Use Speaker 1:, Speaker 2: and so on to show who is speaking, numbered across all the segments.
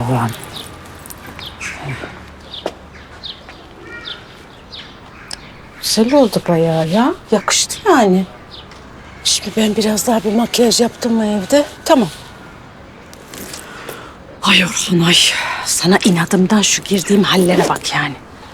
Speaker 1: Allah'ım. Güzel oldu bayağı ya. Yakıştı yani. Şimdi ben biraz daha bir makyaj yaptım mı evde? Tamam. Ay Orhan ay. Sana inadımdan şu girdiğim hallere bak yani.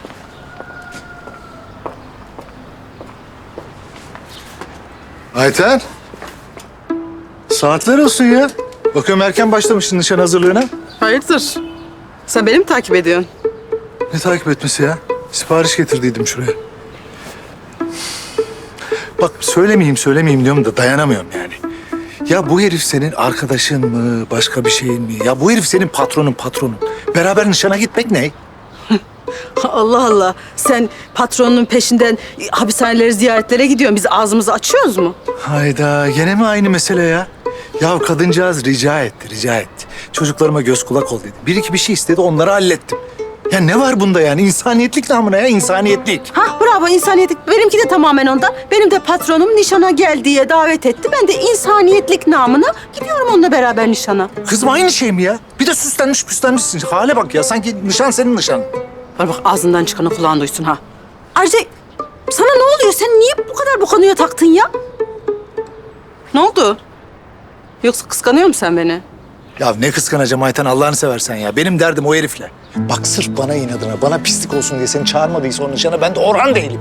Speaker 2: Ayten. Saatler olsun ya. Bakıyorum erken başlamışsın nişan hazırlığına.
Speaker 3: Hayırdır? Sen beni mi takip ediyorsun?
Speaker 2: Ne takip etmesi ya? Sipariş getirdiydim şuraya. Bak söylemeyeyim diyorum da dayanamıyorum yani. Ya bu herif senin arkadaşın mı, başka bir şeyin mi? Ya bu herif senin patronun. Beraber nişana gitmek ne?
Speaker 3: Allah Allah. Sen patronun peşinden hapishaneleri ziyaretlere gidiyorsun. Biz ağzımızı açıyoruz mu?
Speaker 2: Hayda, gene mi aynı mesele ya? Ya kadıncağız rica etti. Çocuklarıma göz kulak ol dedi. Bir iki bir şey istedi, onları hallettim. Ya ne var bunda yani? İnsaniyetlik namına ya, insaniyetlik.
Speaker 3: Hah bravo insaniyetlik. Benimki de tamamen ondan. Benim de patronum nişana gel diye davet etti. Ben de insaniyetlik namına gidiyorum onunla beraber nişana.
Speaker 2: Kızım aynı şey mi ya? Bir de süslenmişsin. Hale bak ya, sanki nişan senin nişan.
Speaker 3: Bana bak ağzından çıkanı kulağın duysun ha. Ayrıca sana ne oluyor? Sen niye bu kadar bu konuya taktın ya? Ne oldu? Yoksa kıskanıyor musun sen beni?
Speaker 2: Ya ne kıskanacağım Ayten, Allah'ını seversen ya. Benim derdim o herifle. Bak sırf bana inadına, bana pislik olsun diye seni çağırmadıysa o nişana ben de Orhan değilim.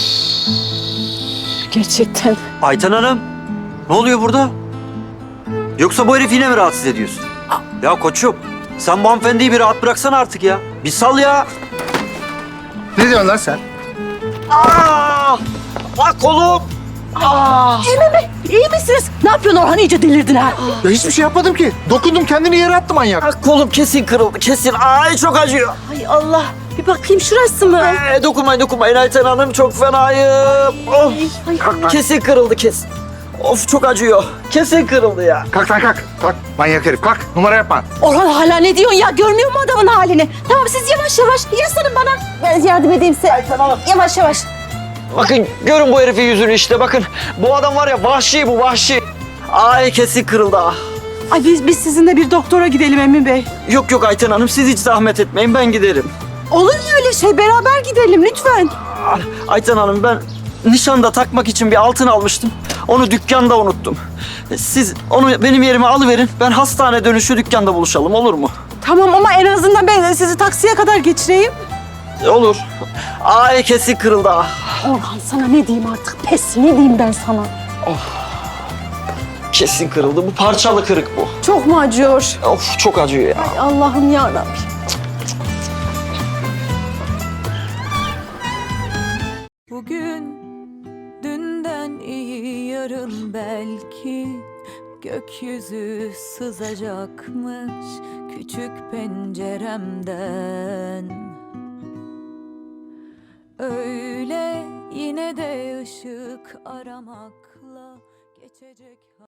Speaker 1: Gerçekten.
Speaker 4: Ayten Hanım, ne oluyor burada? Yoksa bu herif yine mi rahatsız ediyorsun? Ya koçum, sen bu hanımefendiyi bir rahat bıraksana artık ya. Bir sal ya.
Speaker 2: Ne diyorsun lan sen?
Speaker 4: Aa! Bak kolum.
Speaker 3: İyi misiniz? Ne yapıyorsun Orhan? İyice delirdin ha.
Speaker 2: Ya hiçbir şey yapmadım ki. Dokundum, kendini yere attı manyak.
Speaker 4: Bak kolum kesin kırıldı, kesin. Ay çok acıyor.
Speaker 3: Ay Allah. Bir bakayım şurası mı?
Speaker 4: Dokunmayın Ayten Hanım, çok fenayım. Of, kesin kırıldı kesin. Of çok acıyor. Kesin kırıldı ya.
Speaker 2: Kalk lan kalk. Kalk manyak herif kalk. Numara yapma.
Speaker 3: Orhan hala ne diyorsun ya? Görmüyor mu adamın halini? Tamam siz yavaş yaslanın bana. Ben yardım edeyim size.
Speaker 4: Ayten Hanım.
Speaker 3: Yavaş.
Speaker 4: Bakın görün bu herifin yüzünü işte bakın. Bu adam var ya vahşi bu vahşi. Ay kesin kırıldı ah.
Speaker 3: Ay biz sizinle bir doktora gidelim Emin Bey.
Speaker 4: Yok Ayten Hanım siz hiç zahmet etmeyin ben giderim.
Speaker 3: Olur mu öyle şey? Beraber gidelim lütfen.
Speaker 4: Ah, Ayten Hanım ben nişanda takmak için bir altın almıştım. Onu dükkanda unuttum. Siz onu benim yerime alıverin. Ben hastane dönüşü dükkanda buluşalım olur mu?
Speaker 3: Tamam ama en azından ben sizi taksiye kadar geçireyim.
Speaker 4: Olur. Ay kesin kırıldı ah.
Speaker 3: Orhan sana ne diyeyim artık? Pes ne diyeyim ben sana?
Speaker 4: Kesin kırıldı. Bu parçalı kırık bu.
Speaker 3: Çok mu acıyor?
Speaker 4: Of çok acıyor ya.
Speaker 3: Ay Allah'ım yarabbim.
Speaker 5: Bugün dünden iyi yarın belki gökyüzü sızacakmış küçük penceremden. Öyle yine de ışık aramakla geçecek.